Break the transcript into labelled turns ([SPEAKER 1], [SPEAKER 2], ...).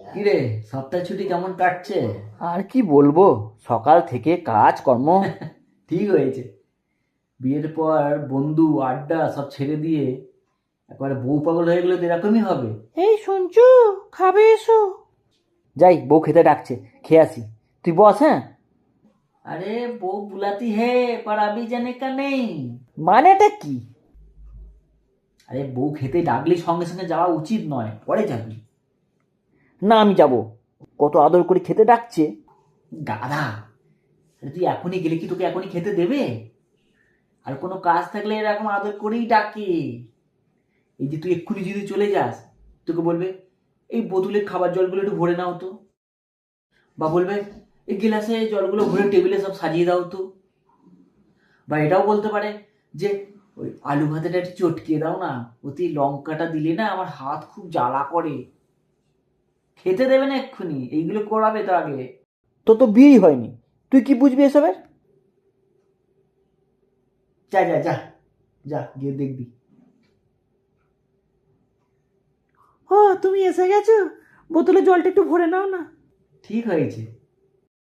[SPEAKER 1] কিরে, সপ্তাহ ছুটি কেমন কাটছে?
[SPEAKER 2] আর কি বলবো, সকাল থেকে কাজ কর্ম।
[SPEAKER 1] ঠিক হয়েছে। বিয়ের পর বন্ধু আড্ডা সব ছেড়ে দিয়ে একবারে বউ পাগল হয়ে গেলে তো এরকমই হবে।
[SPEAKER 2] এই সঞ্জু, খাবে এসো। যাই, বউ খেতে ডাকছে, খেয়ে আসি। তুই বস, হ্যাঁ।
[SPEAKER 1] আরে বউ বুলাতি হে पर अभी जाने का नहीं।
[SPEAKER 2] মানেটা কি?
[SPEAKER 1] আরে বউ খেতে ডাকলে সঙ্গে সঙ্গে যাওয়া উচিত নয়, পরে যাবি।
[SPEAKER 2] না, আমি যাব। কত আদর করে খেতে ডাকছে।
[SPEAKER 1] গাধা! আরে তুই এখনই গেলে কি তোকে এখনই খেতে দেবে? আর কোনো কাজ থাকলে এরকম আদর করেই ডাকে। এই যে তুই এক্ষুনি যদি চলে যাস, তোকে বলবে এই বোতলে খাবার জলগুলো একটু ভরে নাও তো, বা বলবে এই গিলাসে জলগুলো ভরে টেবিলে সব সাজিয়ে দাও তো, বা এটাও বলতে পারে যে ওই আলু ভাতেটা একটু চটকিয়ে দাও না, ওতে লঙ্কাটা দিলে না আমার হাত খুব জ্বালা করে। খেতে দেবে না এক্ষুনি, এইগুলো করাবে তো আগে।
[SPEAKER 2] তো তো বিয়েই হয়নি, তুই কি বুঝবি এসবের?
[SPEAKER 1] যা যা যা, যা গিয়ে দেখবি।
[SPEAKER 2] ও, তুমি এসে গেছো, বোতলে জলটা একটু ভরে নাও না।
[SPEAKER 1] ঠিক হয়েছে।